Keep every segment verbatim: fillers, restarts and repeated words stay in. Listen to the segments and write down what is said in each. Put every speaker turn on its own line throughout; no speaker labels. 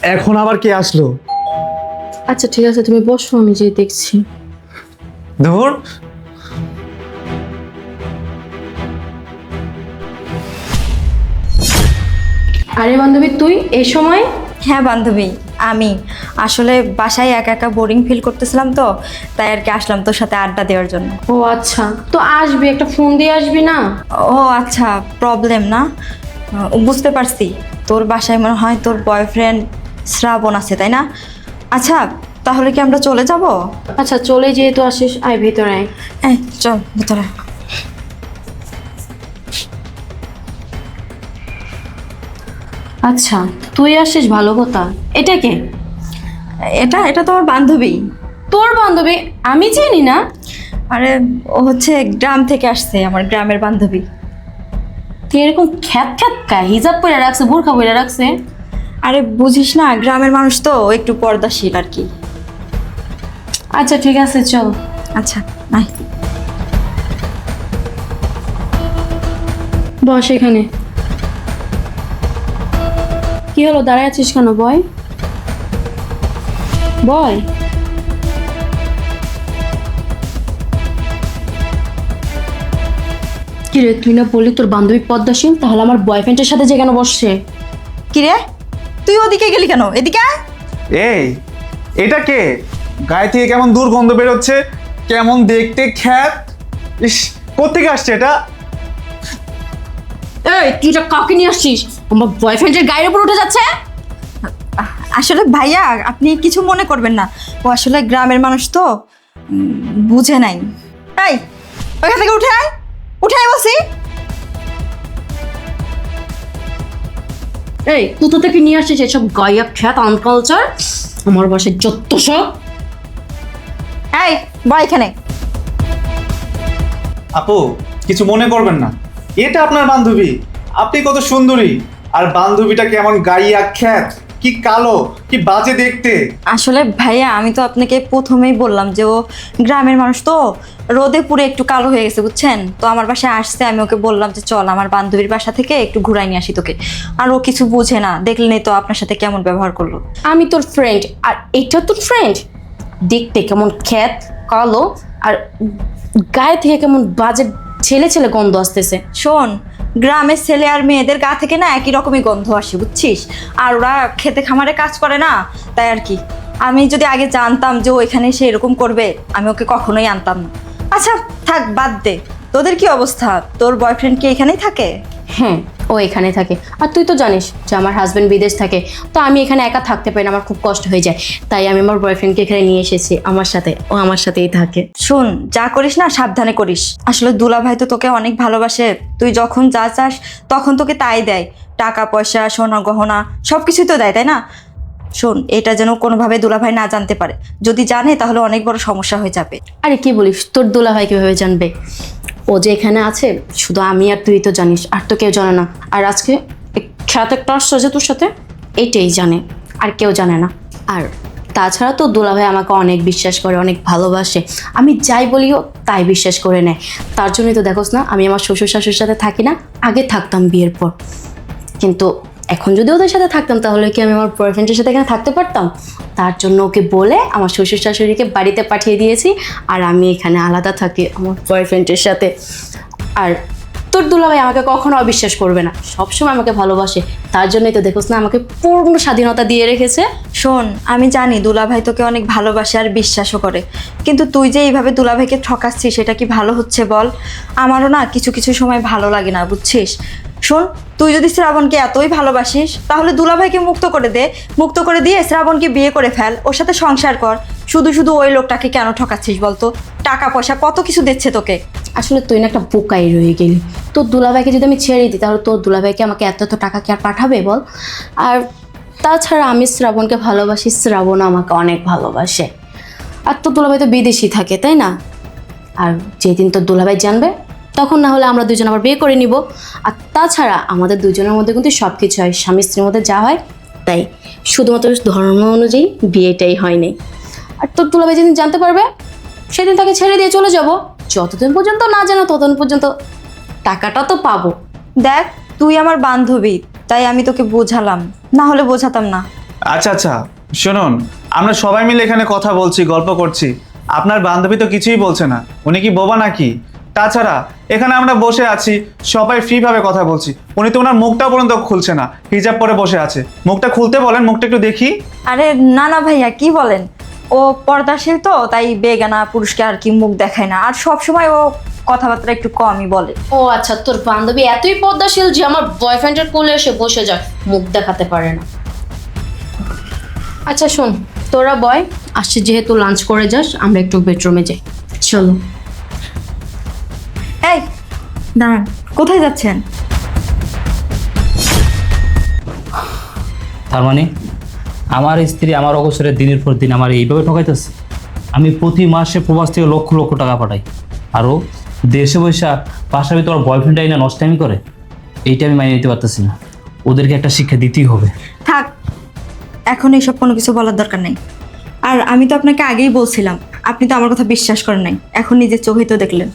এখন আবার কে আসলো?
আচ্ছা ঠিক আছে, তুমি বসো, আমি যে দেখছি।
ধুর,
আরে বান্ধবী, তুই এই সময়?
হ্যাঁ বান্ধবী, আমি আসলে বাসায় একা একা বোরিং ফিল করতেছিলাম, তো তাই আর কি আসলাম তোর সাথে আড্ডা দেওয়ার জন্য।
ও আচ্ছা, তো আসবি, একটা ফোন দিয়ে আসবি না?
ও আচ্ছা, প্রবলেম না, আহ, বুঝতে পারছি। তোর বাসায় মনে হয় তোর বয়ফ্রেন্ড শ্রাবণ আছে, তাই না? আচ্ছা, তাহলে কি আমরা চলে যাব?
আচ্ছা চলে যেহেতু আসিস, আয় ভেতরে আয়।
এই চল ভিতরে।
আচ্ছা তুই আসিস, ভালো কথা। এটা কে?
এটা এটা তোমার বান্ধবী।
তোর বান্ধবী? আমি চিনি না।
আরে ও হচ্ছে গ্রাম থেকে আসছে, আমার গ্রামের বান্ধবী।
তুই এরকম খ্যাত খ্যাত কা হিজাব পরে রাখছে, বোরখা পরে রাখছে?
আরে বুঝিস না, গ্রামের মানুষ তো একটু পর্দাশীল আর কি।
আচ্ছা ঠিক আছে, চল।
আচ্ছা নাই,
বস এখানে। কি হলো, দাঁড়ায় আছিস কেন? বয় বয়। কি রে, তুই না বললি তোর বান্ধবী পদ্মাসীন, তাহলে আমার বয়ফ্রেন্ডের সাথে যে কেন বসছে?
কি রে, তুই ওদিকে গেলি কেন? এদিকে আয়।
এই এটা কে? গায়ে থেকে কেমন দুর্গন্ধ বেরোচ্ছে, কেমন দেখতে খ্যাত। ইস, কোত্থেকে আসছে এটা?
এই তুই এটা কাকে নিয়ে আসছিস? আমার বয়ফ্রেন্ডের গায়ের উপর উঠে যাচ্ছে।
আসলে ভাইয়া, আপনি কিছু মনে করবেন না, ও আসলে গ্রামের মানুষ তো, উম, বুঝে নাই। এই ওইখান থেকে উঠে আয়, উঠে আয় বলছি।
এই কোথা থেকে নিয়ে আসছিস এসব গায়া খ্যাত আনকালচার? আমার বাসায় যত সব।
এই বয় এখানে।
আপু, কিছু মনে করবেন না, এটা আপনার বান্ধবী। আপনি কত সুন্দরী, আর বান্ধবীটা কেমন গাইয়া খ্যাত, কি কালো, কি বাজে দেখতে।
আসলে ভাইয়া, আমি তো আপনাকে প্রথমেই বললাম যে ও গ্রামের মানুষ তো, রোদে পুরো একটু কালো হয়ে গেছে, বুঝছেন তো। আমার বাসায় আসছে, আমি ওকে বললাম যে চল আমার বান্ধবীর বাসা থেকে একটু ঘুরাই নিয়ে আসি তোকে। আর ও কিছু বুঝে না, দেখলেনই তো আপনার সাথে কেমন ব্যবহার করলো।
আমি তোর ফ্রেন্ড, আর এটা তোর ফ্রেন্ড? দেখতে কেমন খ্যাত, কালো, আর গায়ে থেকে কেমন বাজে ছেলে ছেলে গন্ধ আসতেছে।
শোন, গ্রামের ছেলে আর মেয়েদের গা থেকে না একই রকমই গন্ধ আসে, বুঝছিস। আর ওরা খেতে খামারে কাজ করে না, তাই আর কি। আমি যদি আগে জানতাম যে ও এখানে এসে এরকম করবে, আমি ওকে কখনোই আনতাম না। আচ্ছা থাক, বাদ দে। তোদের কি অবস্থা? তোর বয়ফ্রেন্ড কি এখানেই থাকে?
হ্যাঁ, ও এখানে থাকে। আর তুই তো জানিস যে আমার হাজব্যান্ড বিদেশ থাকে, তো আমি এখানে একা থাকতে পারি না, আমার খুব কষ্ট হয়ে যায়। তাই আমি আমার বয়ফ্রেন্ডকে এখানে নিয়ে এসেছি আমার সাথে, ও আমার সাথেই থাকে।
শোন, যা করিস না সাবধানে করিস। আসলে দুলাভাই তো তোকে অনেক ভালোবাসে, তুই যখন যা চাস তখন তোকে তাই দেয়। টাকা পয়সা, সোনা গহনা সব কিছুই তো দেয়, তাই না? শোন, এটা যেন কোনোভাবে দুলাভাই না জানতে পারে। যদি জানে তাহলে অনেক বড় সমস্যা হয়ে যাবে।
আরে কি বলিস, তোর দুলাভাই কিভাবে জানবে? ও যে এখানে আছে শুধু আমি আর তুই তো জানিস, আর তো কেউ জানে না। আর আজকে খ্যাত একটা আসছে যে তোর সাথে, এইটাই জানে, আর কেউ জানে না। আর তাছাড়া তো দুলাভাই আমাকে অনেক বিশ্বাস করে, অনেক ভালোবাসে। আমি যাই বলিও তাই বিশ্বাস করে নেয়। তার জন্যই তো দেখোস না, আমি আমার শ্বশুর শাশুড়ির সাথে থাকি না, আগে থাকতাম বিয়ের পর। কিন্তু এখন যদি ওদের সাথে থাকতাম তাহলে কি আমি আমার বয়ফ্রেন্ডের সাথে এখানে থাকতে পারতাম? তার জন্য ওকে বলে আমার শ্বশুর শাশুড়িকে বাড়িতে পাঠিয়ে দিয়েছি, আর আমি এখানে আলাদা থাকি আমার বয়ফ্রেন্ডের সাথে। আর তোর দুলাভাই আমাকে কখনো অবিশ্বাস করবে না, সবসময় আমাকে ভালোবাসে। তার জন্যই তো দেখোস না, আমাকে পূর্ণ স্বাধীনতা দিয়ে রেখেছে।
শোন, আমি জানি দুলাভাই তোকে অনেক ভালোবাসে আর বিশ্বাসও করে, কিন্তু তুই যে এইভাবে দুলাভাইকে ঠকাচ্ছিস সেটা কি ভালো হচ্ছে বল? আমারও না কিছু কিছু সময় ভালো লাগে না, বুঝছিস। শোন, তুই যদি শ্রাবণকে এতই ভালোবাসিস তাহলে দুলাভাইকে মুক্ত করে দে, মুক্ত করে দিয়ে শ্রাবণকে বিয়ে করে ফেল, ওর সাথে সংসার কর। শুধু শুধু ওই লোকটাকে কেন ঠকাচ্ছিস বলতো? টাকা পয়সা কত কিছু দিচ্ছে তোকে।
আসলে তুই না একটা বোকাই রয়ে গেলি। তোর দুলাভাইকে যদি আমি ছেড়ে দিই তাহলে তোর দুলাভাইকে আমাকে এত এত টাকা কি আর পাঠাবে বল? আর তাছাড়া আমি শ্রাবণকে ভালোবাসি, শ্রাবণ আমাকে অনেক ভালোবাসে। আর তোর দুলাভাই তো বিদেশি থাকে, তাই না? আর যেদিন তোর দুলাভাই জানবে তখন না হলে আমরা দুজন আবার বিয়ে করে নিব। আর তাছাড়া আমাদের দুজনের মধ্যে কিন্তু সব কিছু হয়, স্বামী স্ত্রীর মধ্যে যা হয় তাই, শুধুমাত্র ধর্ম অনুযায়ী বিয়েটাই হয়নি। আর তোর দুলাভাই যেদিন জানতে পারবে সেদিন তাকে ছেড়ে দিয়ে চলে যাব। যতদিন পর্যন্ত না জানো ততদিন পর্যন্ত টাকাটা তো পাবো।
দেখ, তুই আমার বান্ধবী, তাই আমি তোকে বোঝালাম, না হলে বোঝাতাম না।
আচ্ছা আচ্ছা শুনুন, আমরা সবাই মিলে এখানে কথা বলছি, গল্প করছি, আপনার বান্ধবী তো কিছুই বলছে না। উনি কি বোবা নাকি? তাছাড়া এখানে আমরা বসে আছি, সবাই ফ্রিভাবে কথা বলছি, উনি তো ওনার মুখটা পর্যন্ত খুলছে না, হিজাব পরে বসে আছে। মুখটা খুলতে বলেন, মুখটা একটু দেখি।
আরে না না ভাইয়া, কি বলেন? ও পর্দাশীল তো, তাই বেগানা পুরুষকে আর কি মুখ দেখায় না, আর সব সময় ও কথাবার্তা একটু কমই বলে।
ও আচ্ছা, তোর বান্ধবী এতই পদ্মাশীল যে আমার বয়ফ্রেন্ডের কোলে এসে বসে যায়, মুখ দেখাতে পারে না। আচ্ছা শোন, তোরা বয়, আসছে যেহেতু লাঞ্চ করে যাস, আমরা একটু বেডরুমে যাই, চলো।
এই দাঁড়ান, কোথায় যাচ্ছেন?
তার মানে আমার স্ত্রী আমার অবসরের দিনের পর দিন আমার এইভাবে ঠকাইতেছে। আমি প্রতি মাসে প্রবাস থেকে লক্ষ লক্ষ টাকা পাঠাই, আরও দেশে বৈশা বাসার ভিতরে আমার বয়ফ্রেন্ড আইনা নষ্টামি করে। এইটা আমি মানিয়ে নিতে পারতেছি না, ওদেরকে একটা শিক্ষা দিতেই হবে।
থাক, এখন এইসব কোনো কিছু বলার দরকার নেই। আর আমি তো আপনাকে আগেই বলছিলাম, আপনি তো আমার কথা বিশ্বাস করেন নাই, এখন নিজের চোখেই তো দেখলেন।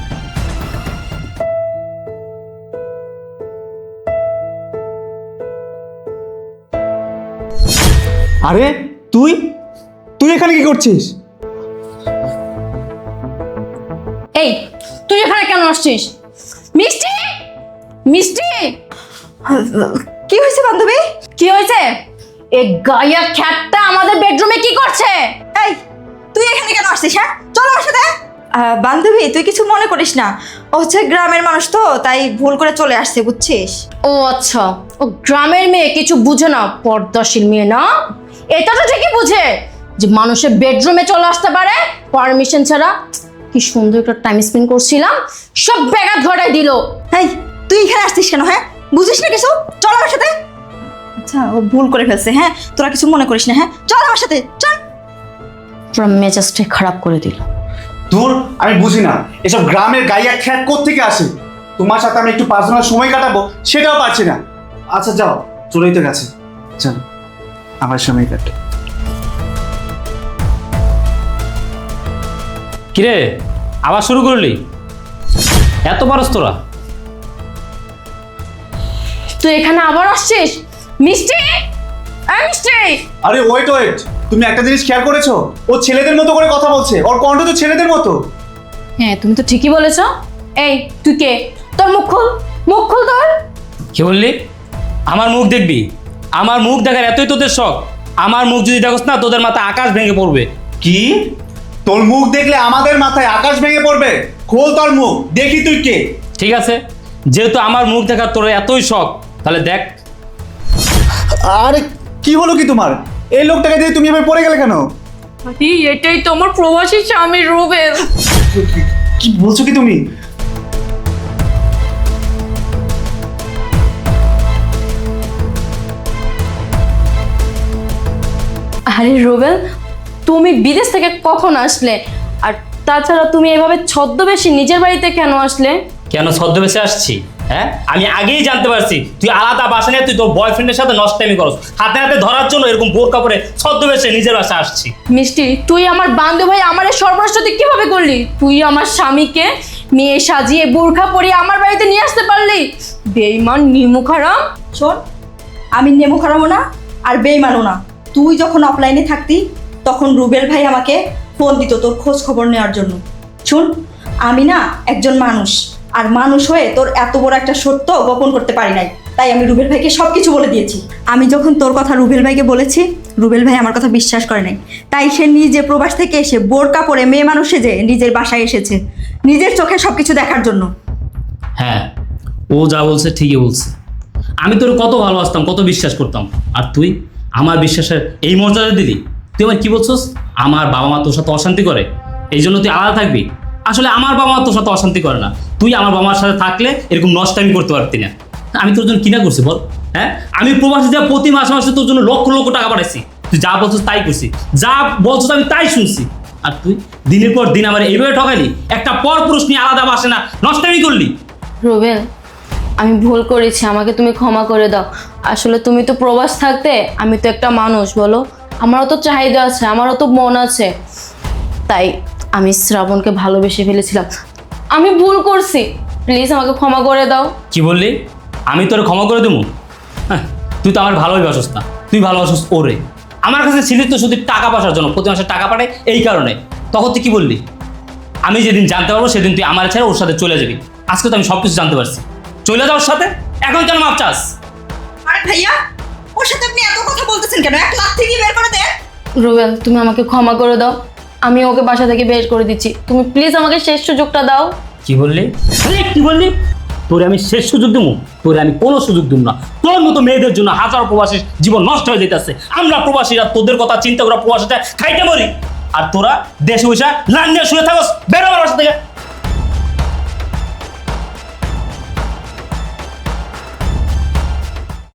আরে তুই তুই এখানে কি করছিস?
এই তুই এখানে কেন আসছিস? মিষ্টি, মিষ্টি,
কি হয়েছে বান্ধবী?
কি হয়েছে? এই গায়া খ্যাটটা আমাদের বেডরুমে কি করছে?
এই তুই এখানে কেন আসছিস? হ্যাঁ চলো আমার সাথে। আহ, বান্ধবী তুই কিছু মনে করিস না, ও হচ্ছে গ্রামের মানুষ তো, তাই ভুল করে চলে আসছে, বুঝছিস?
ও আচ্ছা, ও গ্রামের মেয়ে, কিছু বুঝে না, পর্দাশীল মেয়ে না। এটা তো ঠিকই বুঝে যে মানুষের বেডরুমে চলে আসতে পারে পারমিশন ছাড়া। কি সুন্দর একটা টাইম স্পেন্ড করছিলাম, সব ব্যাঘাত ঘটাই দিল।
এই তুই এখানে আসছিস কেন? হ্যাঁ বুঝিস না কিছু? চল আমার সাথে। আচ্ছা ও ভুল করে ফেলছে, হ্যাঁ তোরা কিছু মনে করিস না, হ্যাঁ চল আমার সাথে চল।
পুরো মেজাজটাই খারাপ করে দিল।
দূর, আমি বুঝি না এসব গ্রামের গাইয়া খ্যাট কোত্থেকে আসে। তোমার সাথে আমি একটু পার্সোনাল সময় কাটাবো সেটাও পাচ্ছি না। আচ্ছা যাও, চলেই তো গেছে, চলো আমার সময় কাটে।
কিরে আবার শুরু করলি? এত পারস তোরা?
তুই এখানে আবার আসছিস? মিষ্টি, এই মিষ্টি,
আরে ওয়েট ওয়েট, তুমি একটা জিনিস খেয়াল করেছো? ও ছেলেদের মতো করে কথা বলছে, ওর কণ্ঠ তো ছেলেদের মতো।
হ্যাঁ তুমি তো ঠিকই বলেছ। এই তুই কে? তোর মুখ খুল, মুখ খুল তোর।
কি বললি? আমার মুখ দেখবি? আমার মুখ দেখার এতই তোদের শখ? আমার মুখ যদি দেখোস না, তোদের মাথায় আকাশ ভেঙে পড়বে।
কি? তোর মুখ দেখলে আমাদের মাথায় আকাশ ভেঙে পড়বে? খোল তোর মুখ, দেখি তুই কে।
ঠিক আছে, যেহেতু আমার মুখ দেখার তোর এতই শখ, তাহলে দেখ।
আরে কি হলো কি তোমার? এই লোকটাকে দিয়ে তুমি এভাবে পড়ে গেলে কেন?
এটাই তো আমার প্রবাসী স্বামী রুবেল।
কি বলছো কি তুমি?
আরে রুবেল, তুমি বিদেশ থেকে কখন আসলে? আর তাছাড়া তুমি এভাবে ছদ্মবেশী নিজের বাড়িতে কেন আসলে?
কেন ছদ্মবেশে আসছি? হ্যাঁ আমি আগেই জানতে পারছি তুই আলাদা বাসা নিয়ে তুই তোর বয়ফ্রেন্ডের সাথে নষ্টামি করস, হাতে হাতে ধরার জন্য এরকম বোর কাপড়ে ছদ্মবেশে নিজের বাসা আসছি।
মিষ্টি, তুই আমার বান্ধব ভাই আমার এই সর্বনাশ তুই কিভাবে করলি? তুই আমার স্বামীকে মেয়ে সাজিয়ে বোরখা পরিয়ে আমার বাড়িতে নিয়ে আসতে পারলি? বেঈমান, নিমুখারাম।
শোন, আমি নেমো খারাপও না আর বেইমানও না। তুই যখন অফলাইনে থাকতি তখন রুবেল ভাই আমাকে ফোন দিত তোর খোঁজ খবর নেওয়ার জন্য। শুন, আমি না একজন মানুষ, আর মানুষ হয়ে তোর এত বড় একটা সত্য গোপন করতে পারি নাই, তাই আমি রুবেল ভাইকে সব কিছু বলে দিয়েছি। আমি যখন তোর কথা রুবেল ভাইকে বলেছি, রুবেল ভাই আমার কথা বিশ্বাস করে নাই, তাই সে নিজে প্রবাস থেকে এসে বোরকা পরে মেয়ে মানুষে যে নিজের বাসায় এসেছে নিজের চোখে সব কিছু দেখার জন্য।
হ্যাঁ ও যা বলছে ঠিকই বলছে। আমি তোর কত ভালোবাসতাম, কত বিশ্বাস করতাম, আর তুই আমার বিশ্বাসের এই মর্যাদা দিলি? তুই আমার কি বলছস? আমার বাবা মা তোর সাথে অশান্তি করে এই জন্য তুই আলাদা থাকবি? আসলে আমার বাবা মা তোর সাথে অশান্তি করে না, তুই আমার বাবা মার সাথে থাকলে এরকম নষ্টামি করতে পারতি না। আমি তোর জন্য কিনা করছি বল? হ্যাঁ আমি প্রবাসী যা প্রতি মাসে মাসে তোর জন্য লক্ষ লক্ষ টাকা পাঠাইছি, তুই যা বলছিস তাই করছি, যা বলছিস আমি তাই শুনছি, আর তুই দিনের পর দিন আমার এইভাবে ঠকালি, একটা পর পুরুষ নিয়ে আলাদা বাসে না নষ্টামি করলি।
রুবেল, আমি ভুল করেছি, আমাকে তুমি ক্ষমা করে দাও। আসলে তুমি তো প্রবাস থাকতে, আমি তো একটা মানুষ, বলো আমারও তো চাহিদা আছে, আমারও তো মন আছে, তাই আমি শ্রাবণকে ভালোবেসে ফেলেছিলাম। আমি ভুল করছি, প্লিজ আমাকে ক্ষমা করে দাও।
কি বললি? আমি তোর ক্ষমা করে দেবো? হ্যাঁ তুই তো আমার ভালোই বাসস না, তুই ভালোবাসিস ওরে। আমার কাছে ছিলি তো শুধু টাকা পয়সার জন্য, প্রতি মাসে টাকা পাঠায় এই কারণে। তখন তুই কি বললি? আমি যেদিন জানতে পারবো সেদিন তুই আমার ছেড়ে ওর সাথে চলে যাবি। আজকে তো আমি সব কিছু জানতে পারছি, চলে যাওয়ার সাথে এখন কেন মাপ চাস?
আরে ভাইয়া, ওর সাথে আপনি এত কথা বলতেছেন কেন? এক লাখ থেকে বের করে দেন।
রুবেল, তুমি আমাকে ক্ষমা করে দাও, আমি ওকে বাসা থেকে বের করে দিচ্ছি। তুমি প্লিজ আমাকে শেষ সুযোগটা দাও।
কি বললি? আরে কি বললি? তোরে আমি শেষ সুযোগ দেবো? তোরে আমি কোনো সুযোগ দিব না। তোর মতো মেয়েদের জন্য হাজারো প্রবাসীর জীবন নষ্ট হয়ে যেতেছে। আমরা প্রবাসীরা তোদের কথা চিন্তা করা প্রবাসীটা খাইতে মরি, আর তোরা দেশে বসে লাইন নিয়ে শুয়ে থাকস। বেরো আমার বাসা থেকে।